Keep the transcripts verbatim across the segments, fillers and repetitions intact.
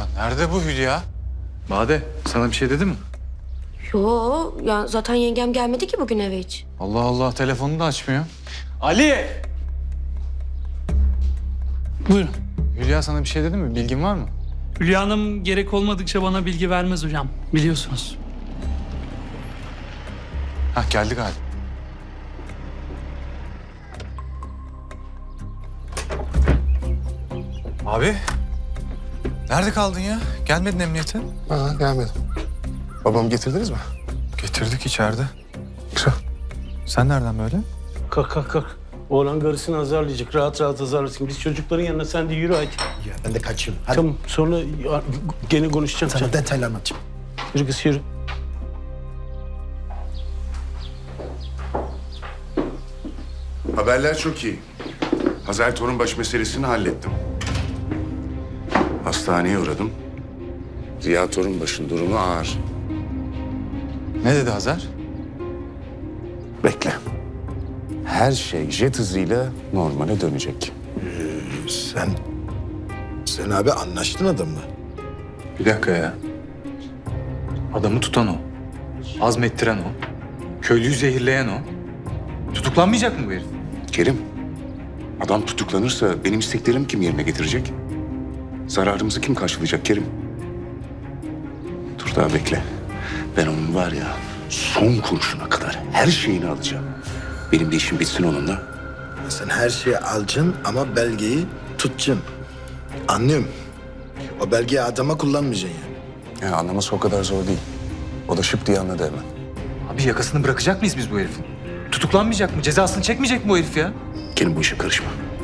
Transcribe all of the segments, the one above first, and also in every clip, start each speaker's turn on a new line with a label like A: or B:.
A: Nerede bu Hülya? Bade, sana bir şey dedi mi?
B: Yo ya zaten yengem gelmedi ki bugün eve hiç.
A: Allah Allah, telefonunu da açmıyor. Ali!
C: Buyurun.
A: Hülya sana bir şey dedi mi? Bilgin var mı?
C: Hülya Hanım gerek olmadıkça bana bilgi vermez hocam. Biliyorsunuz.
A: Hah, geldi galiba. Abi, nerede kaldın ya? Gelmedin emniyete.
D: Ha, gelmedim. Babamı getirdiniz mi?
A: Getirdik içeride.
D: Güzel.
A: Sen nereden böyle?
E: Kalk kalk kalk. Oğlan karısını azarlayacak. Rahat rahat azarlasın. Biz çocukların yanına sen de yürü hadi.
D: Ya ben de kaçıyorum. Hadi.
E: Tamam sonra ya, gene konuşacağım.
D: Sana
E: Sen.
D: detaylı anlatacağım.
E: Yürü kız yürü.
F: Haberler çok iyi. Hazar Torunbaş meselesini hallettim. Hastaneye uğradım. Ziya Torunbaş'ın durumu ağır.
A: Ne dedi Hazar?
F: Bekle. Her şey jet hızıyla normale dönecek.
D: Sen... Sen abi anlaştın adamla.
A: Bir dakika ya. Adamı tutan o. Azmettiren o. Köylüyü zehirleyen o. Tutuklanmayacak mı bu herif?
F: Kerim, adam tutuklanırsa benim isteklerimi kim yerine getirecek? Zararımızı kim karşılayacak Kerim? Dur daha bekle. Ben onun var ya son kuruşuna kadar her şeyini alacağım. Benim de işim bitsin onunla.
D: Sen her şeyi alacaksın ama belgeyi tutacaksın. Anlıyorum. O belgeyi adama kullanmayacaksın yani.
F: Ya anlaması o kadar zor değil. O da şıp diye anladı hemen.
A: Abi yakasını bırakacak mıyız biz bu herifin? Tutuklanmayacak mı? Cezasını çekmeyecek mi bu herif ya?
F: Kerim bu işe karışma.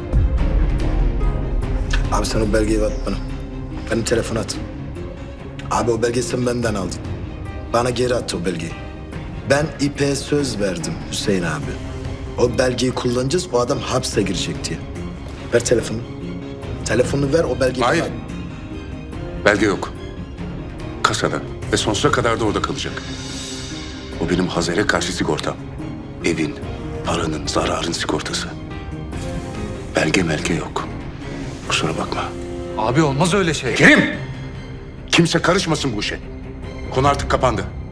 D: Abi sen o belgeyi at bana. Benim telefona at. Abi o belgeyi sen benden aldın. Bana geri at o belgeyi. Ben İpek'e söz verdim Hüseyin abi. O belgeyi kullanacağız, o adam hapse girecek diye. Ver telefonu. Telefonunu ver, o belgeyi
F: Hayır.
D: bana at.
F: Belge yok. Kasada ve sonsuza kadar da orada kalacak. O benim Hazar'a karşı sigortam. Evin, paranın, zararın sigortası. Belge melge yok. Kusura bakma.
A: Abi olmaz öyle şey.
F: Kerim! Kimse karışmasın bu işe. Konu artık kapandı.